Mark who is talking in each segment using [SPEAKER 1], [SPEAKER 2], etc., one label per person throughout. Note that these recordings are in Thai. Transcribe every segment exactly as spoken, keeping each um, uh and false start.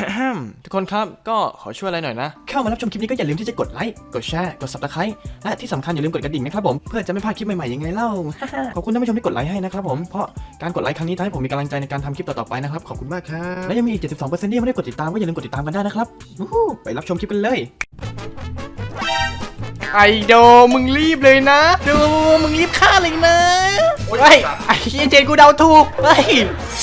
[SPEAKER 1] ทุกคนครับก็ขอช่วยอะไรหน่อยนะเข้ามารับชมคลิปนี้ก็อย่าลืมที่จะกดไลค์กดแชร์กด ซับสไครบ์ และที่สำคัญอย่าลืมกดกระดิ่งนะครับผมเพื่อจะไม่พลาดคลิปใหม่ๆยังไงเล่า ขอบคุณท่านผู้ชมที่กดไลค์ให้นะครับผมเพราะการกดไลค์ครั้งนี้ทำให้ผมมีกำลังใจในการทำคลิปต่อๆไปนะครับขอบคุณมากครับและยังมีอีก เจ็ดสิบสองเปอร์เซ็นต์ ที่ยังไม่ได้กดติดตามก็อย่าลืมกดติดตามกันได้นะครับไปรับชมคลิปกันเลยไอโดมึงรีบเลยนะดูมึงรีบฆ่าเลยนะเฮ้ยไอ้เจนกูเดาถูกเฮ้ย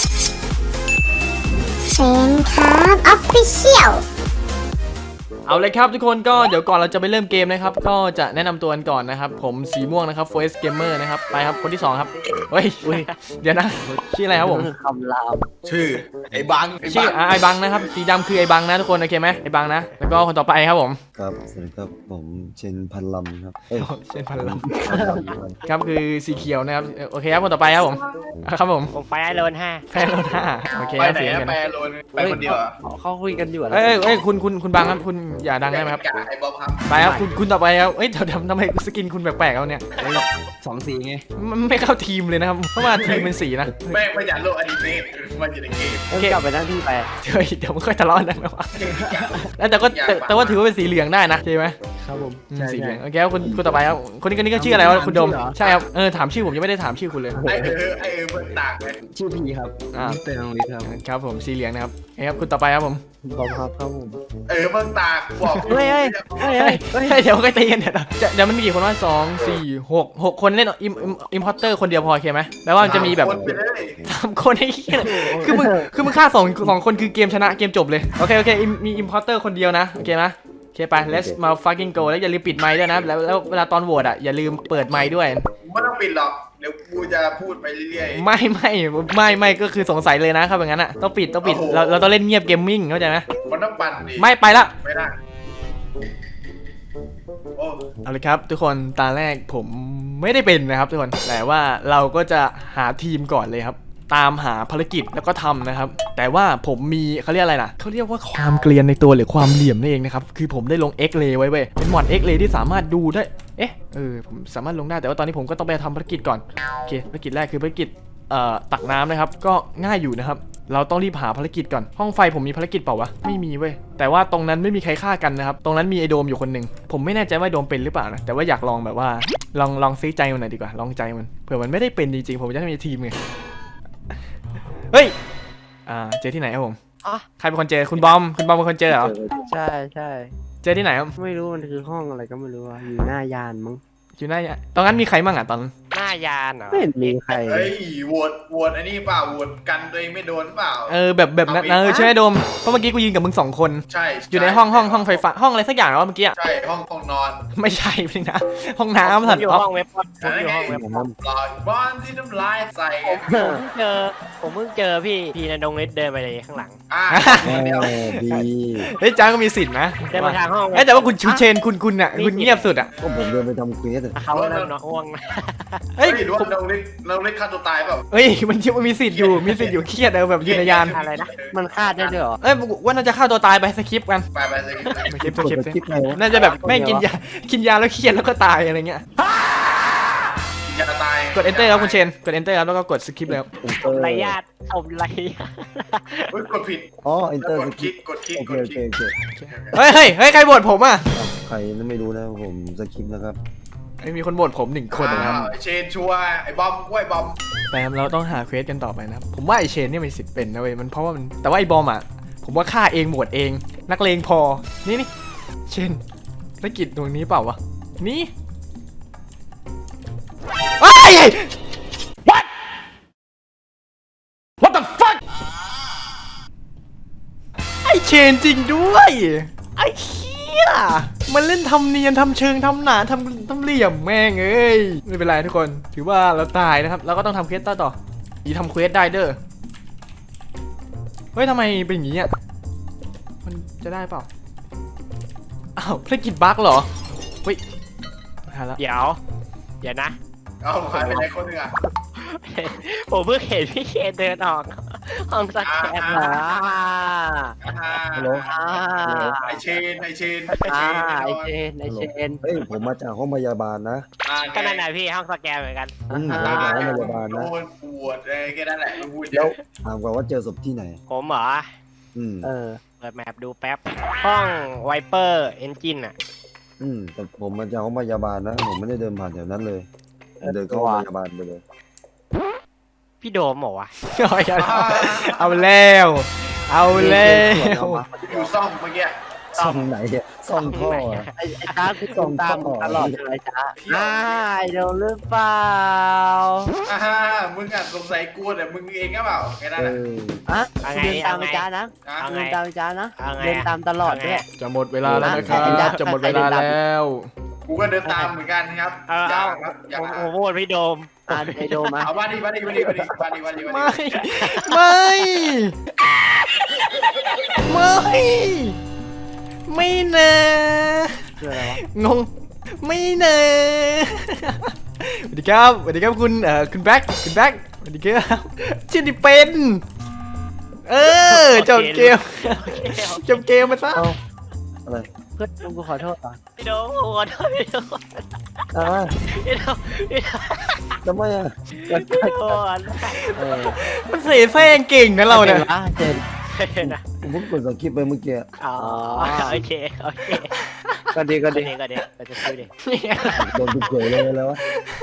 [SPEAKER 2] เซนครับออฟฟิเชียล
[SPEAKER 1] เอาเลยครับทุกคนก็เดี๋ยวก่อนเราจะไปเริ่มเกมนะครับก็จะแนะนำตัวกันก่อนนะครับผมสีม่วงนะครับ Forest Gamer นะครับไปครับคนที่สองครับเฮ้ยเดี๋ยวนะชื่ออะไรครับผม
[SPEAKER 3] คำราม
[SPEAKER 4] ชื่อไอ้บัง
[SPEAKER 1] ชื่อไอ้บังนะครับสีดำคือไอ้บังนะทุกคนโอเคไหมไอ้บังนะแล้วก็คนต่อไปครับผม
[SPEAKER 3] ครับสวัสดีครับผมเชนพันลำครับ
[SPEAKER 1] เชนพันลำครับคือสีเขียวนะครับโอเคครับคนต่อไปครับผมครับผม
[SPEAKER 5] ผมไฟโลนห้า
[SPEAKER 1] แฟนโลนห้าโอเค
[SPEAKER 4] ไป
[SPEAKER 1] ครับ
[SPEAKER 4] ไหน
[SPEAKER 1] เสียงกัน
[SPEAKER 4] ไปโลนไปคนเดียว
[SPEAKER 3] เขาคุยกันอยู่
[SPEAKER 1] เอ้ยเอ้ยคุณคุณคุณบังครับคุณอย่าดังได้ไหมครับ
[SPEAKER 4] ไอ้บ๊อบครับ
[SPEAKER 1] ไปครับคุณคุณต่อไปครับเอ้ยเดี๋ยวทำไมสกินคุณแปลกๆเอาเนี่ย
[SPEAKER 3] สองสีไง
[SPEAKER 1] มันไม่เข้าทีมเลยนะครับเพราะว่าทีมเป็นสีนะ
[SPEAKER 4] แม่งไม่อยากโลกอดีเมตมันอยู่ในเกม
[SPEAKER 3] โอเคกลับไปนั่งที่ไป
[SPEAKER 1] เดี๋ยวเดี๋ยวไม่ค่อยทะเลาะกันนะวะแต่ก็แต่ว่าถือว่าเป็นสีเหลืองได้นะใช่ไหม
[SPEAKER 3] ครับผม
[SPEAKER 1] สีเหลืองโอเคครับคุณคุณต่อไปครับคนนี้คนนี้ก็ชื่ออะไรวะคุณดมใช่ครับเออถามชื่อผมยังไม่ได้ถามชื่อคุณเลย
[SPEAKER 4] ไอ้เออไอ้เออมันต่างไง
[SPEAKER 3] ชื่อพีครับมิสเตอร์น้องลิศครับ
[SPEAKER 1] ครับผมสีเหลืองนะครับครับคุณต่อไปครับผม
[SPEAKER 3] บอมครับครับผม
[SPEAKER 4] เออมันต่างบอก
[SPEAKER 1] เฮ้ยเฮ้ยเฮ้ยเดี๋ยวก็ตีกันเดี๋ยวเดี๋ยวมันมีกี่คนวะสองสี่หกหกคนเล่นอิมอิมพอร์เตอร์คนเดียวพอโอเคไหมแปลว่ามันจะมีแบบสามคนไอ้เหี้ยคือมึงคือมึงฆ่าสองสองคนคือเกมชนะเกมจบเลยโอเคโอเคมีอิมพอร์เตอร์คนเดียวนะโอเคไหมโอเคไป let's มา fucking go แล้วอย่าลืมปิดไมค์ด้วยนะแล้วแล้วเวลาตอนโหวตอ่ะอย่าลืมเปิดไมค์ด้วย
[SPEAKER 4] ไม่ต้องปิดหรอกเดี๋ยวกูจะพูดไปเรื่อย
[SPEAKER 1] ๆไม่ไม่ไม่ไม่ก็คือสงสัยเลยนะครับอย่างนั้นอ่ะต้องปิดต้องปิดเราเราต้องเล่นเงียบเกมมิ่งเข้าใจไหม
[SPEAKER 4] มันต้องปั่นดิ
[SPEAKER 1] ไม่ไปละ
[SPEAKER 4] ไม่ได้
[SPEAKER 1] เอาเลยครับทุกคนตาแรกผมไม่ได้เป็นนะครับทุกคนแต่ว่าเราก็จะหาทีมก่อนเลยครับตามหาภารกิจแล้วก็ทำนะครับแต่ว่าผมมีเขาเรียกอะไรนะเขาเรียกว่าความเกรียนในตัวหรือความเหลี่ยมนั่นเองนะครับคือผมได้ลง X-Ray ไว้เว้ยเป็นมอด X-Ray ที่สามารถดูได้เอ๊ะเออผมสามารถลงได้แต่ว่าตอนนี้ผมก็ต้องไปทำภารกิจก่อนโอเคภารกิจแรกคือภารกิจเอ่อตักน้ำนะครับก็ง่ายอยู่นะครับเราต้องรีบหาภารกิจก่อนห้องไฟผมมีภารกิจเปล่าวะไม่มีเว้ยแต่ว่าตรงนั้นไม่มีใครฆ่ากันนะครับตรงนั้นมีไอโดมอยู่คนหนึ่งผมไม่แน่ใจว่าโดมเป็นหรือเปล่านะแต่ว่าอยากลองแบบว่าลองลองซื้อใจมันหน่อยดีกว่าลองใจมันเผื่อมันไม่ได้เป็นจริงๆผมจะได้มีทีมไงเฮ้ยอ่าเจอที่ไหนครับผมใครเป็นคนเจอคุณบอมคุณบอมเป็นคนเจอเหรอ
[SPEAKER 3] ใช่ใช่
[SPEAKER 1] เจอที่ไหนครับ
[SPEAKER 3] ไม่รู้มันคือห้องอะไรก็ไม่รู้อยู่หน้ายานมั้ง
[SPEAKER 1] อยู่หน้ายานตอนนั้นมีใครมั่งอ่ะตอน
[SPEAKER 5] หน้ายานเหรอ
[SPEAKER 3] ไม่เห็นมีใคร
[SPEAKER 4] เฮ้ยโหวตโหวตอันนี้เปล่าโหวตกันตัวเองไม่โดนเปล่า
[SPEAKER 1] เออแบบแบบนั้นเออใช่ไหมโดมเพราะเมื่อกี้กูยืนกับมึงสองคน
[SPEAKER 4] ใช่
[SPEAKER 1] อยู่ในห้องห้องห้องไฟฟ้าห้องอะไรสักอย่างแล้วเมื่อกี้
[SPEAKER 4] ใช่ห้องห้องนอน
[SPEAKER 1] ไม่ใช่พี่นะห้องน้ำสัตว์
[SPEAKER 5] อยู่ห้องเว็บผมอยู่ห้องเว็บ
[SPEAKER 4] ลอยบ้านที่น้ำลายใส่
[SPEAKER 5] ผมเจอผมเพิ่งเจอพี่พี่นดงฤทธิ์เดินไปเลยข้างหลัง
[SPEAKER 4] อ่าเดียว
[SPEAKER 3] ดี
[SPEAKER 1] เฮ้ยจ้าก็มีสิทธิ์นะ
[SPEAKER 5] เดินมาทางห้อง
[SPEAKER 1] แต่ว่าคุณชูเชนคุณคุณอ่ะคุณเงียบสุดอ่ะ
[SPEAKER 3] ก็ผมเดินไปทำเควส
[SPEAKER 5] เขาเริ่มนอนอ้วง
[SPEAKER 4] เฮ้ยรู้ว่าเราเล่นเราเล่นฆ่าตัวตายเปล่า
[SPEAKER 1] เฮ้ยมันมันมีสิทธิ์อยู่มีสิทธิ์อยู่เครียดเออแบบอยู่ในยาน
[SPEAKER 5] อะไรนะ
[SPEAKER 3] มันฆ่าได้ด้วยเหรอ
[SPEAKER 1] เอ้ยว่าน่าจะฆ่าตัวตายไปสคริปต์กัน
[SPEAKER 4] ไปไปสคริปต์
[SPEAKER 1] สคริปต์สคริปต์น่าจะแบบไม่กินยากินยาแล้วเครียดแล้วก็ตายอะไรเงี้ย
[SPEAKER 4] ยาตาย
[SPEAKER 1] กด enter ครับคุณเชนกด enter ครับแล้วก็กดสคริปต์แล้ว
[SPEAKER 5] ไรญาติผมไร
[SPEAKER 4] กดผิด
[SPEAKER 3] อ๋อ enter
[SPEAKER 4] กดคลิกกดคลิก
[SPEAKER 3] โอเคโอเคโอเค
[SPEAKER 1] เฮ้ยเฮ้ยเฮ้ยใครบ่นผมอ่ะ
[SPEAKER 3] ใครนั่นไม่รู้นะผมสคริปต์นะครับ
[SPEAKER 1] ไม่มีคนบ่นผมหนึ่งคนนะครับ
[SPEAKER 4] เชนชัวไอ้บอมกล้วยบอม
[SPEAKER 1] แต่เราต้องหาเควสกันต่อไปนะผมว่าไอเชนเนี่ยมีสิทธิ์เป็นนะเว้ยมันเพราะว่ามันแต่ว่าไอบอมอ่ะผมว่าฆ่าเองหมดเองนักเลงพอนี่นี่เชนธุรกิจตรงนี้เปล่าวะนี่ไอ้ what what the fuck ไอเชนจริงด้วยไอเหี้ยมันเล่นทำเนียนทำเชิงทำหนาทำทำเหลี่ยมแม่งเอ้ยไม่เป็นไรทุกคนถือว่าเราตายนะครับเราก็ต้องทำเควสต่อต่ออีทำเควสได้เด้อเฮ้ยทำไมเป็นอย่างนี้อ่ะมันจะได้เปล่าอ้าวภารกิจบั๊กเหรอเฮ้ยหาละ
[SPEAKER 5] เดี๋ยวเดี๋ยวนะ
[SPEAKER 4] เอาหายไปไหนคนนึงอ่ะ
[SPEAKER 5] ผมเพิ่งเห็นพี่เคนเดินออกห้องสแกนเหรอ
[SPEAKER 3] ฮัลโหล
[SPEAKER 4] ไอเชนไอเชน
[SPEAKER 5] ไอเชนไอเชนไอเชน
[SPEAKER 3] เฮ้ยผมมาจากห้องพยาบาลนะ
[SPEAKER 5] ก็นั่นแหละพี่ห้องสแกนเหมือนกัน
[SPEAKER 3] ห้องพยาบาลนะ
[SPEAKER 4] ปวดเลยแค่นั้นแหละพูด
[SPEAKER 3] แล้วถามก่อนว่าเจอศพที่ไหน
[SPEAKER 5] ผมเหรอ
[SPEAKER 3] อืมเออ
[SPEAKER 5] เปิดแมปดูแป๊บ ห้องไวเปอร์เอนจินอ่ะ
[SPEAKER 3] อืมแต่ผมมาจากห้องพยาบาลนะ ผมไม่ได้เดินผ่านแถวนั้นเลย เดินเข้าห้องพยาบาลไปเลย
[SPEAKER 5] พี่โดมเหรอวะ
[SPEAKER 1] เอาอีกแล้วเอาแล้ว เอาแล้ว
[SPEAKER 4] อยู่ซ่อมเมื่อกี้
[SPEAKER 3] ซ่องไหนเนี่ยซ่องท่ออะ
[SPEAKER 6] ไอ้ไอ้จ้าคือส่งตามตลอดเลยจ้าอ่าไอ้โดนหรือเปล่า
[SPEAKER 4] อ่าฮะมึงอ่ะสงสัยกูแต่มึงเองก็เปล่าแค่นั้น
[SPEAKER 3] เอ
[SPEAKER 4] อ่ะ
[SPEAKER 3] อ
[SPEAKER 6] อ่ะ
[SPEAKER 5] เอาไง
[SPEAKER 6] เดินตาม
[SPEAKER 5] เอาไง
[SPEAKER 6] ไปจ้านะ
[SPEAKER 4] อ่ะ
[SPEAKER 5] เอาไง
[SPEAKER 6] เดินตามไปจ้านะ
[SPEAKER 5] เอาไง
[SPEAKER 6] เดินตามตลอดด้วย
[SPEAKER 1] จะหมดเวลาแล้วนะครับ
[SPEAKER 6] เอาไง
[SPEAKER 1] จะหมดเวลาแล้ว
[SPEAKER 4] กูก็เดินตามเหมือนกันครับ
[SPEAKER 5] เอา
[SPEAKER 4] อย่า
[SPEAKER 5] เอา
[SPEAKER 4] ครับอย่า
[SPEAKER 5] ผมผมโหวตพี่โดม
[SPEAKER 6] อ่าไอโดมา
[SPEAKER 4] เอาบ้านดีบ้านดีบ้านดีบ้านดีบ้านดีบ้านดีบ้าน
[SPEAKER 1] ไม่
[SPEAKER 4] ดี
[SPEAKER 1] ไม่ ไม่ ไม่นะ
[SPEAKER 6] คืออะไรวะ
[SPEAKER 1] งง ไม่นะสวัสดีครับสวัสดีครับคุณเอ่อคุณแบ็คคุณแบ็คสวัสดีครับชื่อดิเป็น เออจบเกมจบเกมมาซะ
[SPEAKER 3] เอ้าอะไร
[SPEAKER 6] เพื่อนกูขอโทษอ่ะ
[SPEAKER 5] พี่โดมขอโทษพี่โดม
[SPEAKER 3] อ่า
[SPEAKER 5] พี่โดมพี่โดม
[SPEAKER 3] ทำไมอ่ะ
[SPEAKER 5] พี่โดม
[SPEAKER 6] เออ
[SPEAKER 1] มันเสแสร้งเก่งนะเราเนี่ย
[SPEAKER 6] อ่ะเจน
[SPEAKER 5] นะ
[SPEAKER 3] ผมเพิ่งกดสคริปต์ไปเมื่อกี้
[SPEAKER 5] อ๋อโอเคโอเค
[SPEAKER 6] ก็ดีก็
[SPEAKER 5] ก็
[SPEAKER 6] ดี
[SPEAKER 5] ดีก็ดีเราจะซื้อดิ
[SPEAKER 3] โดนตุกเฉยเลยแล้ววะ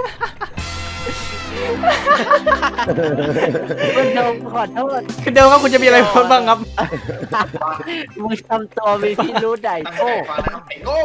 [SPEAKER 6] เพื่อนโดมขอโทษ
[SPEAKER 1] คือเดิมว่าคุณจะมีอะไรพูดบ้างครับ
[SPEAKER 6] มึงทำตัวมีพิรุธใหญ่
[SPEAKER 4] ตั้ง
[SPEAKER 6] โก้
[SPEAKER 4] ใจฟังนะครับไอ้โง่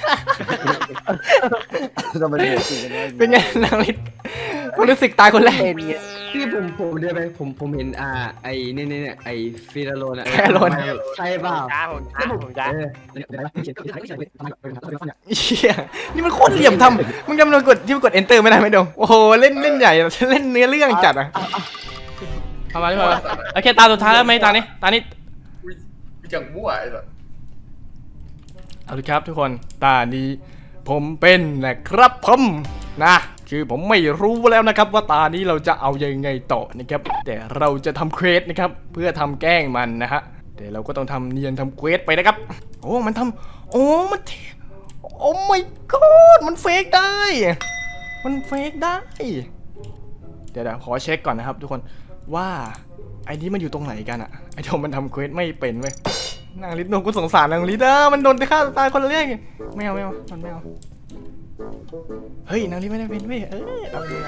[SPEAKER 3] ทำไมเดือดสิกันวะ
[SPEAKER 1] เป็นไงนางลิศคุณรู้สึกตายคนแรก
[SPEAKER 6] เป็นไง
[SPEAKER 7] พี่ผมผมเดินไปผมผมเห็นอ่าไอ้เนี่ยเนี่ยเนี่ยไอ้ฟิลาโลนอะ
[SPEAKER 1] แค่โลน
[SPEAKER 7] ใช่เปล่า
[SPEAKER 5] จ้าผมจ้าผมจ้า
[SPEAKER 7] เออเดี๋ยวนะเขียนเขียนเขียนเขียนทำไมเป็นทำไมเป็น
[SPEAKER 1] เชี่ยนี่มันโคตรเหลี่ยมทำมึงจำนวนกดที่มันกด enter ไม่ได้ไหมโดมโอ้โหเล่นเล่นใหญ่เล่นเนื้อเรื่องจัดอ่ะทำมาที่มาโอเคตาสุดท้ายแล้วไหมตานี้ตานี้
[SPEAKER 4] อุ๊ยกูจังมั่วไอ้สัส
[SPEAKER 1] เอาละครับทุกคนตานี้ผมเป็นนะครับผมนะคือผมไม่รู้แล้วนะครับว่าตานี้เราจะเอายังไงต่อนะครับแต่เราจะทำเควสนะครับเพื่อทำแกล้งมันนะฮะแต่เราก็ต้องทำเนียนทำเควสไปนะครับโอ้มันทำโอ้มันโอ้ my god มันเฟกได้ มันเฟกได้เดี๋ยวเดี๋ยวขอเช็คก่อนนะครับทุกคนว่าไอ้นี้มันอยู่ตรงไหนกันอะไอ้โดมมันทำเควสไม่เป็นเว้ยนางลิศโดนกูสงสารนางลิศอะมันโดนฆ่าตายคนแรกไม่เอาไม่เอามันไม่เอาเฮ้ยนางลิศไม่ได้เป็นเว้ยเออเอาเลย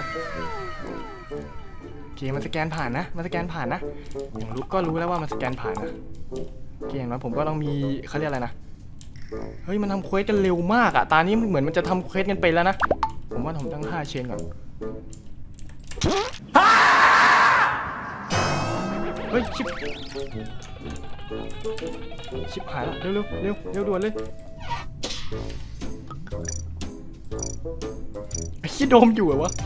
[SPEAKER 1] โอเคมันสแกนผ่านนะมันสแกนผ่านนะอย่างรู้ก็รู้แล้วว่ามันสแกนผ่านนะโอเคอย่างน้อยผมก็ต้องมีเขาเรียกอะไรนะเฮ้ยมันทำเควสกันเร็วมากอะตานี้เหมือนมันจะทำเควสกันไปแล้วนะผมว่าผมตั้งค่าเชนก่อนเฮ้ยชิบชิบหายแล้วเร็วเร็วเร็วเร็วด่วนเลยไอ้ขี้โดมอยู่เหรอวะ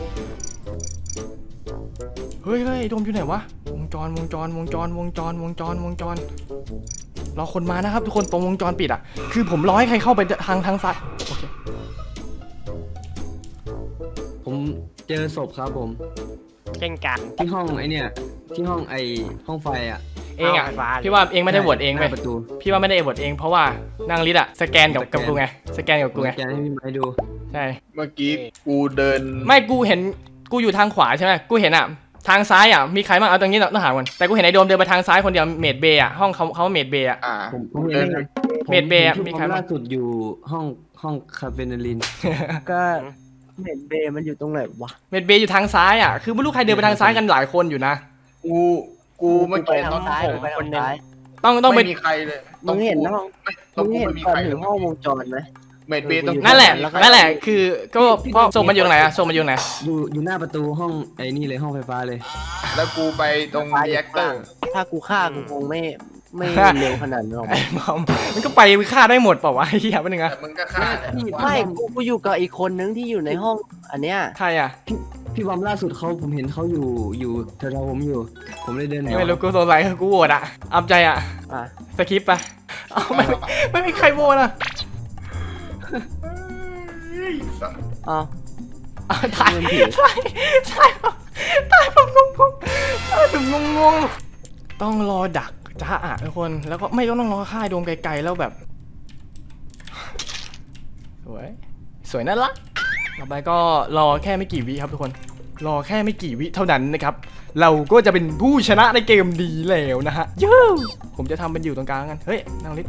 [SPEAKER 1] เฮ้ยเฮ้ยโดมอยู่ไหนวะวงจรวงจรวงจรวงจรวงจรวงจรรอคนมานะครับทุกคนตรงวงจรปิดอ่ะคือผมรอให้ใครเข้าไปทางทางซ้ายโอเค
[SPEAKER 7] ผมเจอศพครับผม
[SPEAKER 5] เช่นกัน
[SPEAKER 7] ที่ห้องไอ้เนี่ยที่ห้องไอ้ห้องไฟอ่ะ
[SPEAKER 1] เองอ่ะ
[SPEAKER 5] เอาไฟฟ้าเลย
[SPEAKER 1] พี่ว่าเองไม่ได้โหวตเอง
[SPEAKER 7] ห
[SPEAKER 1] เว้
[SPEAKER 7] น้าย ประตู
[SPEAKER 1] พี่ว่าไม่ได้โหวตเองเพราะว่านางลิศอะสแกนกับกับกูไงสแกนกับ
[SPEAKER 7] ผ
[SPEAKER 1] กู
[SPEAKER 7] ม
[SPEAKER 1] ไง
[SPEAKER 7] สแกนให้พี่ไม้ดู
[SPEAKER 1] ใช่
[SPEAKER 4] เมื่อกี้กูเดิน
[SPEAKER 1] ไม่กูเห็นกูอยู่ทางขวาใช่ไหมกูเห็นอะทางซ้ายอะมีใครบ้างเอาตรงนี้ต้องหาก่อนแต่กูเห็นไอ้โดมเดินไปทางซ้ายคนเดียวเมดเบย์อะห้องเขาเขาเมดเบย์อะ
[SPEAKER 4] อ่า
[SPEAKER 7] ผมผม
[SPEAKER 4] เดิ
[SPEAKER 7] เห็
[SPEAKER 4] น
[SPEAKER 7] น
[SPEAKER 1] เมดเบย์อะมี
[SPEAKER 7] มี
[SPEAKER 1] ใค
[SPEAKER 7] ใค
[SPEAKER 1] ร
[SPEAKER 7] ร
[SPEAKER 1] บ้าง
[SPEAKER 7] ล่าสุดอยู่ห้องห้องคาเฟนลิน
[SPEAKER 6] ก็เห็นเบย์มันอยู่ตรงไหนวะ
[SPEAKER 1] เมดเบย์อยู่ทางซ้ายอะคือไม่รู้ใครเดินไปทางซ้ายกันหลายคนอยู่นะ
[SPEAKER 4] กูกูเมื่อ
[SPEAKER 6] ไป
[SPEAKER 4] กี้
[SPEAKER 6] ทา
[SPEAKER 4] ตอง น
[SPEAKER 6] ซ้าย
[SPEAKER 4] ผม
[SPEAKER 6] ไปทางซ้าย
[SPEAKER 1] ต้องต้องไป
[SPEAKER 4] ไม่มีใครเลย
[SPEAKER 6] มึงเห็นห้อง
[SPEAKER 4] ตรง
[SPEAKER 6] มึง
[SPEAKER 4] กู
[SPEAKER 6] เห็น
[SPEAKER 4] ไม่มี
[SPEAKER 6] ก่อน
[SPEAKER 4] ใคร
[SPEAKER 6] ถึงห้องวงจรไหม
[SPEAKER 4] เมดเบย์ตรง
[SPEAKER 1] นั่นแหละ
[SPEAKER 6] แล้วก็
[SPEAKER 1] นั่นแหละคือก็เพราะส่งมันอยู่ตรงไหนอะส่งมันอยู่ตรงไหน
[SPEAKER 7] อยู่อยู่หน้าประตูห้องไอ้นี่เลยห้องไฟฟ้าเลย
[SPEAKER 4] แล้วกูไปตรงรีแอคเตอร์
[SPEAKER 6] ถ้ากูฆ่ากูคงไม่ไม่เร็วขนาดนั้นหรอก
[SPEAKER 1] ไอ้บอมมันก็ไปฆ่าได้หมดเปล่าวะไอ้เหี้ยเป็นยังไง
[SPEAKER 4] แต่มึงก็ฆ่าแหละ
[SPEAKER 6] ไม่กูกูอยู่กับอีกคนนึงที่อยู่ในห้องอันเนี้ย
[SPEAKER 1] ใครอะ
[SPEAKER 7] พี่บอมล่าสุดเขาผมเห็นเขาอยู่อยู่แถวๆผมอยู่ ผมเลยเดินหนี
[SPEAKER 1] ไม่รู้กูสงสัยคือกูโหวตอะอับใจอะ
[SPEAKER 6] อ่ะ
[SPEAKER 1] สคริปต์ไปเอาไม่ไม่มีใครโหวตอะ
[SPEAKER 4] เฮ้ยสัส
[SPEAKER 6] อ้าว
[SPEAKER 1] อ่ะถ่ายถ่ายถ่ายถ่ายผมงงงถ่ายผมงงงต้องรอดักจ้าอ่ะทุกคนแล้วก็ไม่ต้องรอค่ายโดมไกลๆแล้วแบบ สวยสวยน่ารักต่อไปก็รอแค่ไม่กี่วิครับทุกคนรอแค่ไม่กี่วิเท่านั้นนะครับเราก็จะเป็นผู้ชนะในเกมดีแล้วนะฮะเย้ผมจะทำเป็นอยู่ตรงกลางกันเฮ้ยนางลิศ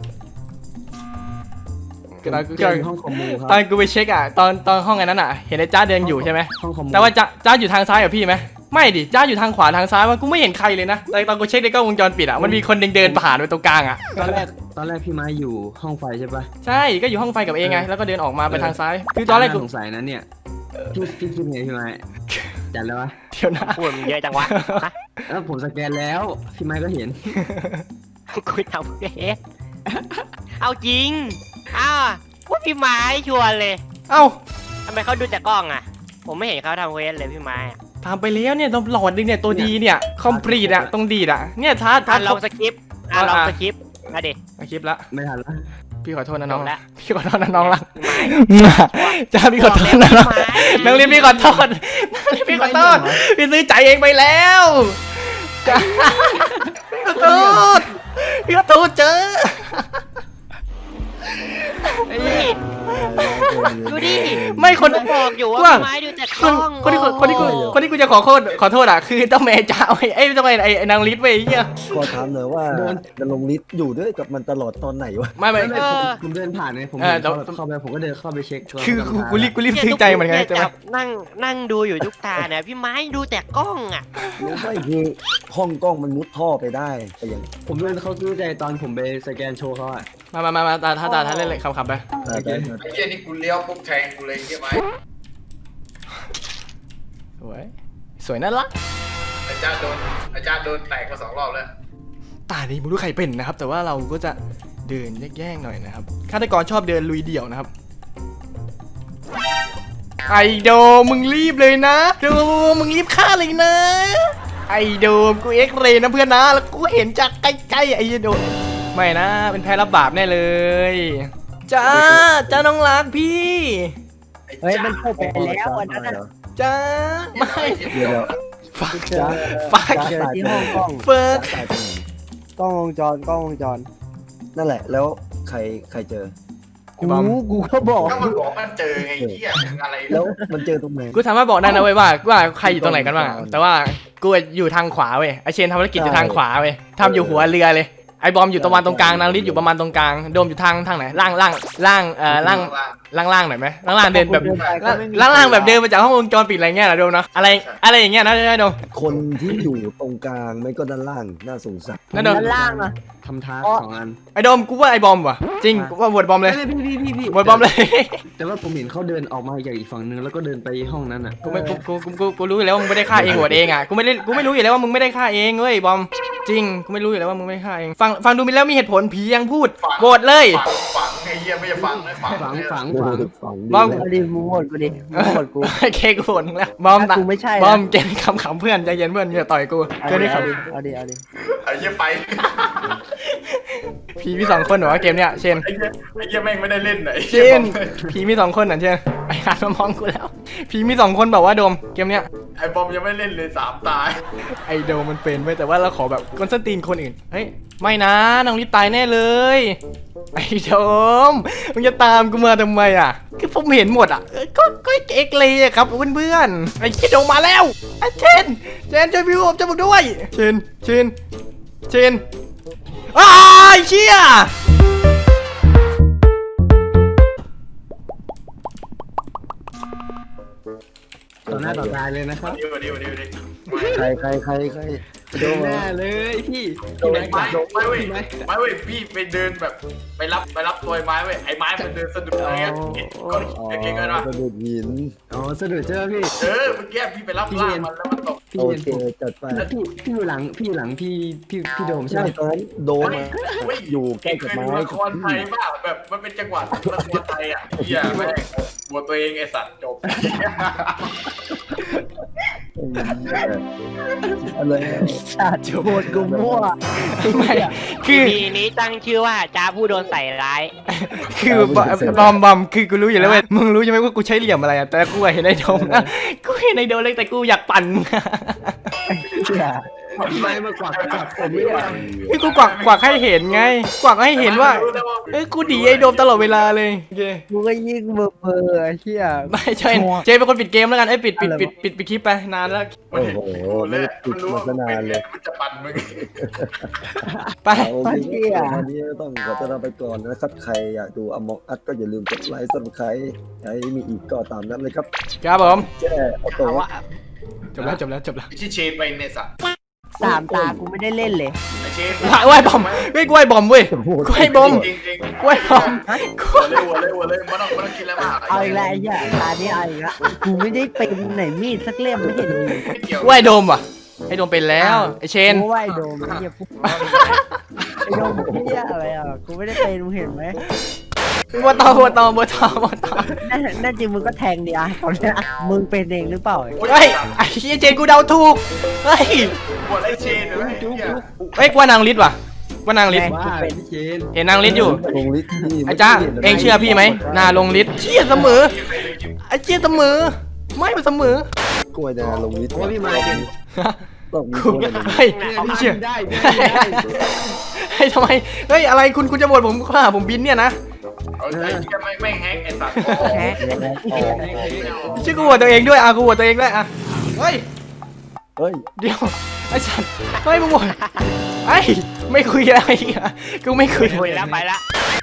[SPEAKER 7] เจอในห้องคอมมูครับ
[SPEAKER 1] ตอนกูไปเช็คอ่ะตอนตอนห้องไอ้นั้นอ่ะเห็นไอ้จ้าเดินอยู่ใช่ไหม
[SPEAKER 7] ห้องคอมมู
[SPEAKER 1] แต่ว่าจ้าจ้าอยู่ทางซ้ายกับพี่ไหมไม่ดิจ้าอยู่ทางขวาทางซ้ายมันกูไม่เห็นใครเลยนะแต่ตอนกูเช็คในกล้องวงจรปิดอ่ะมันมีคนเดินเดินผ่านไปตรงกลางอ่ะ
[SPEAKER 7] ตอนแรกตอนแรกพี่ไม้อยู่ห้องไฟใช่ปะ
[SPEAKER 1] ใช่ก็อยู่ห้องไฟกับเองไงแล้วก็เดินออกมาไปทางซ้ายคือตอนแรกกู
[SPEAKER 7] าสงสัยนะเนี่ยพี่พี่คิดไงพี่ไม้จัดแล้ววะ
[SPEAKER 1] เดี๋ยวนะ
[SPEAKER 5] พูดมันเยอะจังวะฮะ
[SPEAKER 7] แล้วผมสแกนแล้วพี่ไม้ก็เห็น
[SPEAKER 5] กูทำเองเอาจริงอ้าวว่าพี่ไม้ชวนเลย
[SPEAKER 1] เอ้า
[SPEAKER 5] ทำไมเขาดูจากกล้องอ่ะ ผมไม่เห็นเขาทำเวสเลยพี่ไม้อะ
[SPEAKER 1] ทำไปแล้วเนี่ยหลอดนึงเนี่ยตัวดีเนี่ยคอมพลีทอะตรงดีดอะเนี่ยท้าท้า
[SPEAKER 5] อ่ะลองสคริปต์อ่ะลองสคริปต์มาดิ
[SPEAKER 1] มาคลิปละ
[SPEAKER 7] ไม่ทันแล้ว
[SPEAKER 1] พี่ขอโทษนะน้อง
[SPEAKER 5] จบละ
[SPEAKER 1] พี่ขอโทษนะน้องละ
[SPEAKER 5] พี่ไม้
[SPEAKER 1] จ้าพี่ขอโทษนะน้องน้องลิฟพี่ขอโทษน้องลิฟพี่ขอโทษพี่ซื้อใจเองไปแล้วจ้าพี่ขอโทษพี่ขอโทษเจอ
[SPEAKER 5] นี่ดูดิ
[SPEAKER 1] ไม่คน
[SPEAKER 5] ผมบอกอยู่ว่า
[SPEAKER 1] ว่า
[SPEAKER 5] พี่ไม้ดูจาก
[SPEAKER 1] ค
[SPEAKER 5] กล้
[SPEAKER 1] น
[SPEAKER 5] อง
[SPEAKER 1] คนที่คนที่กูคนที่กูจะขอโทษขอโทษอ่ะคือต้องแม่จ้าไอ้ไอ้ต้องแม่ไอ้นางลิฟเว้ยไอ้เหี้ย
[SPEAKER 3] ขอถามหน่อยว่าจะลงลิสต์อยู่ด้วยกับมันตลอดตอนไหนวะ
[SPEAKER 1] ไม่ไม่
[SPEAKER 7] ไม่ผมผมเดินผ่านไงผม
[SPEAKER 1] เออ
[SPEAKER 7] เดิน
[SPEAKER 1] เดี๋ยว
[SPEAKER 7] เข้าเข้าไปผมก็เดินเข้าไปเช็ค
[SPEAKER 1] คือกูกูรีบกูรีบ
[SPEAKER 5] เนี่ย
[SPEAKER 1] ซึ้งใจเหมือนกัน
[SPEAKER 5] ทุ
[SPEAKER 1] ใช่ไหม
[SPEAKER 5] จับนั่งนั่งดูอยู่ทุกตาเนี่ยพี่ไม้ดูแต่กล้องอ่ะ
[SPEAKER 3] รู้ไหมคือห้องกล้องมันมุดท่อไปได้แต่ยัง
[SPEAKER 7] ผมเดินเข้าซื้อใจตอนผมไปสแกนโชว์เขาอะ
[SPEAKER 1] มามามามาตาถ้าตาถ้าเล่นเลยขับขับไป
[SPEAKER 3] แต่แต่
[SPEAKER 4] ไอ้เหี้ยนี่กูเลี้ยวปุ๊บแทงกูเลยใช่ไหม
[SPEAKER 1] สวยสวยน่ารัก
[SPEAKER 4] อาจารย์โดนอาจารย์โดนแตกมาสองรอบแล้ว
[SPEAKER 1] ตานี้ไม่รู้ใครเป็นนะครับ แต่ว่าเราก็จะเดินแย่งๆหน่อยนะครับฆาตกรชอบเดินลุยเดี่ยวนะครับไอโดมึงรีบเลยนะโดมึงรีบฆ่าเลยนะไอโดกูเอ็กเรย์นะเพื่อนนะแล้วกูเห็นจากใกล้ๆไอโดไม่นะเป็นแพ้รับบาปแน่เลยจ้าจ้าน้องรักพี่
[SPEAKER 6] เฮ้ยมันเข้าไปแล้วอันนั้น
[SPEAKER 3] เหร
[SPEAKER 6] อะ
[SPEAKER 3] อ
[SPEAKER 1] จ้าไม่
[SPEAKER 3] เดี๋ยวเดี๋ยว
[SPEAKER 1] ฟัก
[SPEAKER 3] จ้า
[SPEAKER 1] ฟัก
[SPEAKER 6] เจอที่ห้องกล้อง
[SPEAKER 1] เฟิร์ก
[SPEAKER 3] ตายตรงไหน
[SPEAKER 6] กล้องวงจรกล้องวงจร
[SPEAKER 3] นั่นแหละแล้วใครใครเจอ
[SPEAKER 6] กูกูก็บอก
[SPEAKER 4] ก็มันบอกมันเจอไงเหี้ยมึงอะไร
[SPEAKER 3] แล้วมันเจอตรงไหน
[SPEAKER 1] กูสามารถบอกได้นะเว้ยว่าว่าใครอยู่ตรงไหนกันบ้างอะแต่ว่ากูอยู่ทางขวาเว้ยไอเชนทำธุรกิจอยู่ทางขวาเว้ยทำอยู่หัวเรือเลยไอบอมอยู่ประมาณตรงกลางนางลิศอยู่ประมาณตรงกลางโดมอยู่ทางทางไหนล่างล่างล่างเอ่อล่างล่างล่างหน่อยไหมล่างล่างเดินแบบล่างล่างแบบเดินมาจากห้องวงจรปิดอะไรเงี้ยนะโดมเนาะอะไรอะไรอย่างเงี้ยนะนะโดม
[SPEAKER 3] คนที่อยู่ตรงกลางไม่ก็ด้านล่างน่าสงสัย
[SPEAKER 1] นั่นโดม
[SPEAKER 6] ด้านล่างอะ
[SPEAKER 7] ทำท้าสองอัน
[SPEAKER 1] ไอโดมกูว่าไอบอมว่ะจริงกูว่าบวชบอมเลย
[SPEAKER 7] ไม่พี่พี่พี่พี่
[SPEAKER 1] บวชบอมเลย
[SPEAKER 7] แต่ว่าผมเห็นเขาเดินออกมาจากอีกฝั่งนึงแล้วก็เดินไปห้องนั้นอ่ะ
[SPEAKER 1] กูไม่กูกูกูกูกูรู้อยู่แล้วว่ามึงไม่ได้ฆ่าเองบวชเองอ่ะกูไม่ได้กูไม่รู้อยู่แล้วว่ามึงไม่ได้ฆ่าเองเว้ยบอมจริงกูไม่รู้อยู่แล้วว่ามึงไม่ได้ฆ่าเองฟังฟังดูมีแล้วมีเหตุผลผียังพูดโหวตเลย
[SPEAKER 4] ฝังฝังไอ้เหี้ยไม่ใช่ฝังนะฝัง
[SPEAKER 7] ฝังฝัง
[SPEAKER 3] ฝั
[SPEAKER 7] ฝั
[SPEAKER 3] ง
[SPEAKER 7] ง
[SPEAKER 3] ฝัง
[SPEAKER 1] บอม
[SPEAKER 6] เอาดิมึงโหวตกูดิมึงโหวตกู
[SPEAKER 1] โอเคกูโหวตมึงแล้วบอม
[SPEAKER 6] ถ้ากูไม่ใช่นะ
[SPEAKER 1] บอมเกณฑ์คำขำเพื่อนใจเย็นเพื่อนอย่าต่อยกู
[SPEAKER 6] เอา
[SPEAKER 1] เกม
[SPEAKER 6] ดิ
[SPEAKER 1] นี้ค
[SPEAKER 6] เอา
[SPEAKER 1] รับ
[SPEAKER 6] ดิเอาดิเอาดิ
[SPEAKER 4] ไอ้เหี้ยไป
[SPEAKER 1] ผีมีสองคนเหรอวะเกมเนี้ยเชน
[SPEAKER 4] ไอ้เหี้ยไอ้เหี้ยแม่งไม่ได้เล่นไหน
[SPEAKER 1] เชนผีมีสองคนเหรอเชนไอ้หันมามองกูแล้วผีมีสองคนแบบว่าโดมเกมเนี้ย
[SPEAKER 4] ไอ้บอมยังไม่เล่นเลยสามตาย
[SPEAKER 1] ไอโดมมันเป็นไว้แต่ว่าเราขอแบบคอนสแตนตินคนอื่นเฮ้ยไม่นะน้องลิศตายแน่เลยไอโดมมึงจะตามกูมาทำไมอ่ะคือผมเห็นหมดอ่ะเอ้ยก็ก็เอ็กเลยอะครับเพื่อนๆไอ้คิดโดมมาแล้วไอ้เชนเชนช่วยพี่ผมจะบอกด้วยเชนเชนเชนอ้ายเชี่ย
[SPEAKER 7] ต่อหน้าต่อตาเลยนะครับ
[SPEAKER 4] เดี๋ยวเดี๋ยวเดี๋ยวเดี๋ยว
[SPEAKER 3] ใครใครใครใคร
[SPEAKER 7] โดนหน้าเลยพี่
[SPEAKER 4] โด
[SPEAKER 7] พี่
[SPEAKER 4] น
[SPEAKER 7] แม็ก
[SPEAKER 4] ไม้
[SPEAKER 7] ซ์
[SPEAKER 4] ไม้เว้ย
[SPEAKER 7] พี่แม็กซ์
[SPEAKER 4] ไม้เว้ยพี่ไปเดินแบบไปรับไปรับตัวไอ้ไม้เว้ยไอ้ไม้มันเดินสะดุดอะไรเงี้ยเห็นก้อน
[SPEAKER 3] อ๋อ
[SPEAKER 4] เก่งๆกันวะ
[SPEAKER 3] กระดูกหิน
[SPEAKER 7] อ๋อสะดุดใช่ไหมพี่
[SPEAKER 4] เออเมื่อกี้พี่ไปรับล่างมันแล้วมันตก
[SPEAKER 7] พี่
[SPEAKER 3] โอ
[SPEAKER 7] เห็น
[SPEAKER 3] เค
[SPEAKER 7] ผม
[SPEAKER 3] จัดไป
[SPEAKER 7] พี่พี่อยู่หลังพี่อยู่หลังพี่พี่พี่โดมใช่
[SPEAKER 3] ใช่
[SPEAKER 7] ไหม
[SPEAKER 3] ตอนนั้นโดนอะ
[SPEAKER 4] เฮ้ย
[SPEAKER 3] อยู่ใกล้
[SPEAKER 4] เค
[SPEAKER 3] กับ
[SPEAKER 4] ย
[SPEAKER 3] ไม้
[SPEAKER 4] ดูละครไทยบ้าแบบมันเป็นจังหวะละครไทยอ่ะเฮียแม่งหัวตัวเองไอ้สัตว์จบ
[SPEAKER 3] อะไร
[SPEAKER 6] สัตว์โหวตกูมั่ว
[SPEAKER 1] ไม่คือ
[SPEAKER 5] ทีนี้ตั้งชื่อว่าจ้าผู้โดนใส่ร้าย
[SPEAKER 1] คือบอบอมบอมคือกูรู้อยู่แล้วเว้ยมึงรู้ใช่ไหมว่ากูใช้เหลี่ยมอะไรอะแต่กูอะเห็นไอ้โดมนะกูเห็นไอ้โดมเลยแต่กูอยากปั่นมึงอะ
[SPEAKER 6] เชี่ย
[SPEAKER 7] พี่ไม้มากวักกวักผมไม่ได้
[SPEAKER 1] คือกูกวักกวักให้เห็นไงกวักให้เห็นว่าเอ้ยกูดีไอ้โดมตลอดเวลาเลยโอเค
[SPEAKER 6] กูก็ยิ่งเบอร์เบอร์ไอ้เชี่ย
[SPEAKER 1] ไม่ใช่เจเป็นคนปิดเกมแล้วกันเอ้ยปิดปิดปิดปิดปิดคลิปไปนานแล้วแล้ว
[SPEAKER 4] มันเห็น
[SPEAKER 3] โอ้โห
[SPEAKER 4] แล้ว
[SPEAKER 3] ไม่ได้ติ
[SPEAKER 4] มั
[SPEAKER 3] ด
[SPEAKER 4] นรู้
[SPEAKER 3] มา
[SPEAKER 4] ว่า
[SPEAKER 3] ซะนานเลย
[SPEAKER 4] มันจะปั่นมึง
[SPEAKER 1] ไป
[SPEAKER 3] โอเคครับวันนี้ต้องขอตัวลาไปก่อนนะครับ ใครอยากดูอมองอัดก็อย่าลืมกดไลค์ซับสไครต์ใครมีอีกก็ตามนั้นเลยครับ
[SPEAKER 1] ครับผม
[SPEAKER 3] แจ้เอาตัว
[SPEAKER 5] เอาว่า
[SPEAKER 1] จบแล้วจบแล้วจบแล้ว
[SPEAKER 4] ที่เชนไปเนี่ยสัตว์
[SPEAKER 6] สามตากูไม่ได้เล่นเลย
[SPEAKER 4] ไอเชน
[SPEAKER 1] ไหว้บอมเฮ้ยกล้วยบอมเว้ยกล้วยบอม
[SPEAKER 4] จริงจริง
[SPEAKER 1] กล้วยบอม
[SPEAKER 4] หัวเลยหัวเลยหัวเลยมันต้องมันต้องกินแล้วมาก
[SPEAKER 6] เอาอีกแล้วไอ้เหี้ยตานี้เอาอีกแล้วกูไม่ได้เป็นไหนมีดสักเล่มไม่เห็นมี
[SPEAKER 4] ไม่เกี่ยว
[SPEAKER 1] กล้วยโดมว่ะไอ้โดมเป็นแล้วไอ้เชน
[SPEAKER 6] กูว่าไอ้โดมไอ้เหี้ยกูไอ้โดมเหี้ยอะไรอ่ะกูไม่ได้เป็นมึงเห็นไหม
[SPEAKER 1] บัวตองบัวตองบัวตองบัวตอง
[SPEAKER 6] นั่นนั่นจริงมึงก็แทงดิอ่ะตอนเนี้ยมึงเป็นเองหรือเปล่า
[SPEAKER 1] เฮ้ยไอ้เหี้ยเจนกูเดาถูกเฮ้ย
[SPEAKER 4] หัวไอเชนเลยไอ้เหี้ย
[SPEAKER 1] เฮ้ยกว่านางลิศว่ะกว่านางลิศ
[SPEAKER 7] ว่าพี่เชน
[SPEAKER 1] เห็นนางลิศอยู่
[SPEAKER 3] ลงลิสต์นี่
[SPEAKER 1] ไอ้จ้าเองเชื่อพี่ไหมหนาลงลิศเชี่ยเสมอไอ้เชี่ยเสมอไม่มันเสมอก
[SPEAKER 3] ล้วยนาลงลิสต์
[SPEAKER 7] โอ้พี่มาเป็น
[SPEAKER 3] ต้องมี
[SPEAKER 1] กู
[SPEAKER 3] คนลงลิสต์
[SPEAKER 1] เฮ้ย
[SPEAKER 7] พี่
[SPEAKER 1] เชี่ย
[SPEAKER 7] ได้พี่ได้
[SPEAKER 1] เฮ้ยทำไมเฮ้ยอะไรคุณคุณจะบ่นผมข้าผมบินเนี่ยนะ
[SPEAKER 4] เอาใจจะไม่ไม่แฮกไอ้สัตว์
[SPEAKER 6] แฮะ
[SPEAKER 1] ชื่อกูหัวตัวเองด้วยอ่ะกูหัวตัวเองด้วยอ่ะเฮ้ย
[SPEAKER 3] เฮ้ย
[SPEAKER 1] เดี๋ยวไอ้สัตว์เฮ้ยมึงบ่นไอ้ยไม่คุยอะไรอีกอ่ะกูไม่คุย
[SPEAKER 5] คุยแล้วไปละ